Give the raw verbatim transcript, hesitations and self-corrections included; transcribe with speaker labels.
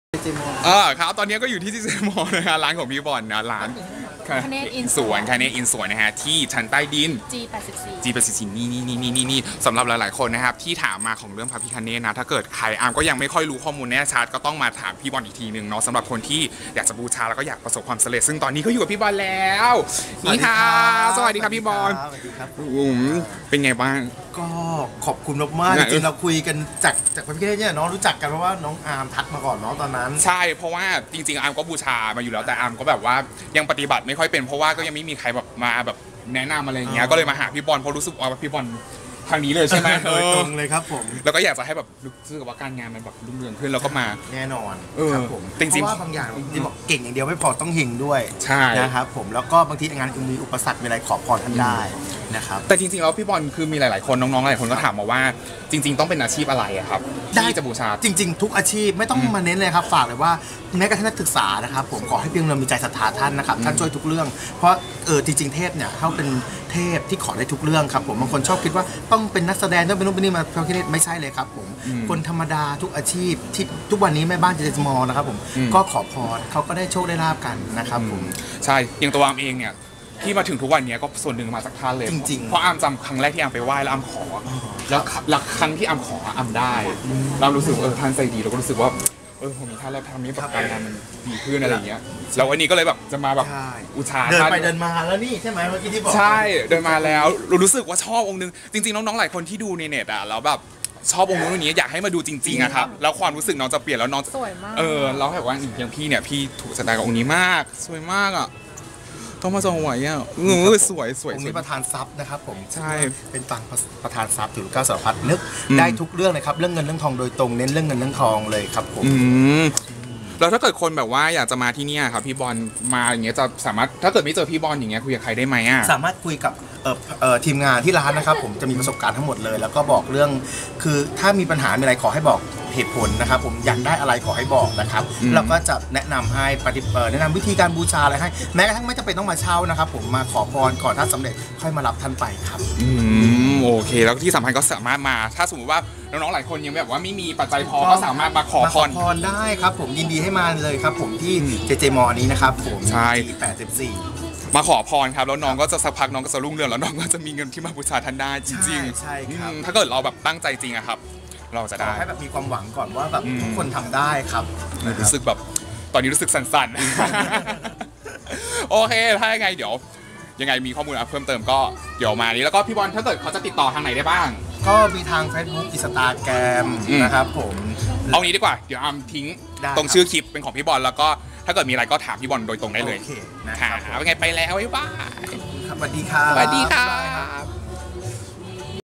Speaker 1: เจมอ
Speaker 2: เออครับตอนนี้ก็อยู่ที่ที่เจมอนะฮะร้านของพี่บอลนะร้าน
Speaker 3: คเนตอิน
Speaker 2: สวนคาเนตอินสวนนะฮะที่ชั้นใต้ดิน
Speaker 3: จี แปดสิบสี่
Speaker 2: จี แปดสิบสี่นี่นี่นี่นี่นี่นี่สำหรับหลายๆคนนะครับที่ถามมาของเรื่องพระพิฆเนศนะถ้าเกิดใครอาร์มก็ยังไม่ค่อยรู้ข้อมูลแน่ชัดก็ต้องมาถามพี่บอลอีกทีหนึ่งเนาะสำหรับคนที่อยากจะบูชาแล้วก็อยากประสบความสำเร็จซึ่งตอนนี้ก็อยู่กับพี่บอลแล้วนี่ค่ะสวัสดีครับพี่บอล
Speaker 1: สวัสดีครับ
Speaker 2: เป็นไงบ้าง
Speaker 1: ก็ขอบคุณมากๆจริงๆเราคุยกันจากจากพระพิฆเนศเนี่ยน้องรู้จักกันเพราะว่าน้องอาร์มทักมาก่อนเนาะตอนนั้น
Speaker 2: ใช่เพราะว่าจริงๆอาร์มก็บูชามาอยู่แล้วแต่อาร์มก็แบบว่ายังปฏิบัติไม่ค่อยเป็นเพราะว่าก็ยังไม่มีใครแบบมาแบบแนะนำอะไรอย่างเงี้ยก็เลยมาหาพี่บอลเพราะรู้สึกว่าพี่บอลทางนี้เลยใช่ไหม
Speaker 1: โดยตรงเลยครับผม
Speaker 2: แล้วก็อยากจะให้แบบรู้สึกว่าการงานมันแบบรุ่งเรืองขึ้นแล้วก็มา
Speaker 1: แน่นอน
Speaker 2: ครับ
Speaker 1: ผมเพราะว่าบางอย่างที่บอกเก่งอย่างเดียวไม่พอต้องเฮงด้วย
Speaker 2: ใช่
Speaker 1: นะครับผมแล้วก็บางทีงานมีอุปสรรคมีอะไรขอพรท่านได้นะครับ
Speaker 2: แต่จริงๆแล้วพี่บอลคือมีหลายๆคนน้องๆหลายคนก็ถามมาว่าจริงๆต้องเป็นอาชีพอะไรครับที่จะบูชา
Speaker 1: จริงๆทุกอาชีพไม่ต้องมาเน้นเลยครับฝากเลยว่าแม้กระทั่งนักศึกษานะครับผมขอให้เพียงเรามีใจศรัทธาท่านนะครับท่านช่วยทุกเรื่องเพราะเออจริงๆเทพเนี่ยเขาเป็นเทพที่ขอได้ทุกเรื่องครับผมบางคนชอบคิดว่าต้องเป็นนักแสดงต้องเป็นนู่นเป็นนี่มาพระพิฆเนศไม่ใช่เลยครับผมคนธรรมดาทุกอาชีพที่ทุกวันนี้แม่บ้านเจเจมอนะครับผมก็ขอพรเขาก็ได้โชคได้ลาบกันนะครับผม
Speaker 2: ใช่อย่างตัวอามเองเนี่ยที่มาถึงทุกวันนี้ก็ส่วนหนึ่งมาจากท่านเลย
Speaker 1: จริงๆ
Speaker 2: เพราะอามจำครั้งแรกที่อามไปไหว้แล้วอามขอแล้วหลักครั้งที่อามขออามได้เรารู้สึกเออท่านใจดีเราก็รู้สึกว่าเออผมมีท่านแล้วทำนี้แบบการงานมันดีขึ้นอะไรอย่างเงี้ยแล้ววันนี้ก็เลยแบบจะมาแบบอุชา
Speaker 1: เดินไปเดินมาแล้วนี่ใช่ไหมเมื่อกี้ที่บอก
Speaker 2: ใช่เดินมาแล้วรู้สึกว่าชอบองค์นึงจริงๆน้องๆหลายคนที่ดูในเน็ตอ่ะแล้วแบบชอบองค์นู้นองค์นี้อยากให้มาดูจริงๆอะครับแล้วความรู้สึกน้องจะเปลี่ยนแล้วน้อง
Speaker 3: สวยมาก
Speaker 2: เออเราแบบว่าอย่างพี่เนี่ยพี่ถูกสไตล์กับองค์นี้มากสวยมากอ่ะต้องมาจองไหวอ่ะเออสวยสวย
Speaker 1: องค์นี้ประธานทรัพย์นะครับผม
Speaker 2: ใช่
Speaker 1: เป็นตังประธานทรัพย์ถือเก้าสารพัดนึกได้ทุกเรื่องเลยครับเรื่องเงินเรื่องทองโดยตรงเน้นเรื่องเงินเรื่องทองเลยครับผม
Speaker 2: แล้วถ้าเกิดคนแบบว่าอยากจะมาที่นี่ครับพี่บอลมาอย่างเงี้ยจะสามารถถ้าเกิดไม่เจอพี่บอลอย่างเงี้ยคุยกับใครได้ไหมอ่ะ
Speaker 1: สามารถคุยกับเอ่อเอ่อทีมงานที่ร้านนะครับผมจะมีประสบการณ์ทั้งหมดเลยแล้วก็บอกเรื่องคือถ้ามีปัญหามีอะไรขอให้บอกเหตุผลนะครับผมอยากได้อะไรขอให้บอกนะครับเราก็จะแนะนำให้ปฏิบัติแนะนำวิธีการบูชาอะไรให้แม้กระทั่งไม่จำเป็นต้องมาเช่านะครับผมมาขอพรก่อนถ้าสำเร็จค่อยมารับท่านไปครับ
Speaker 2: อืมโอเคแล้วที่สำคัญก็สามารถมาถ้าสมมติว่าน้องๆหลายคนยังแบบว่าไม่มีปัจจัยพอก็สามารถมาขอพร
Speaker 1: พรได้ครับผมยินดีให้มาเลยครับผมที่เจเจมอนี้นะครับผม
Speaker 2: ใช่
Speaker 1: แปดสิบสี่
Speaker 2: มาขอพรครับแล้วน้องก็จะสักพักน้องก็จะรุ่งเรืองแล้วน้องก็จะมีเงินที่มาบูชาท่านได้จริง
Speaker 1: ๆใช่ครับ
Speaker 2: ถ้าเกิดเราแบบตั้งใจจริงอะครับเราจะได้
Speaker 1: ให้แบบมีความหวังก่อนว่าแบบทุกคนทำได้ครับ
Speaker 2: รู้สึกแบบตอนนี้รู้สึกสั่นๆโอเคถ้ายังไงเดี๋ยวยังไงมีข้อมูลเพิ่มเติมก็เดี๋ยวมานี้แล้วก็พี่บอลถ้าเกิดเขาจะติดต่อทางไหนได้บ้าง
Speaker 1: ก็มีทาง Facebook Instagram นะครับผม
Speaker 2: เอางี้ดีกว่าเดี๋ยวอามทิ้งตรงชื่อคลิปเป็นของพี่บอลแล้วก็ถ้าเกิดมีอะไรก็ถามพี่บอลโดยตรงได้เลย
Speaker 1: โอเคนะ
Speaker 2: ค่ะเป็นไงไปแล้วบ๊ายบาย
Speaker 1: สวัสดีครับ
Speaker 2: สวัสดีครับ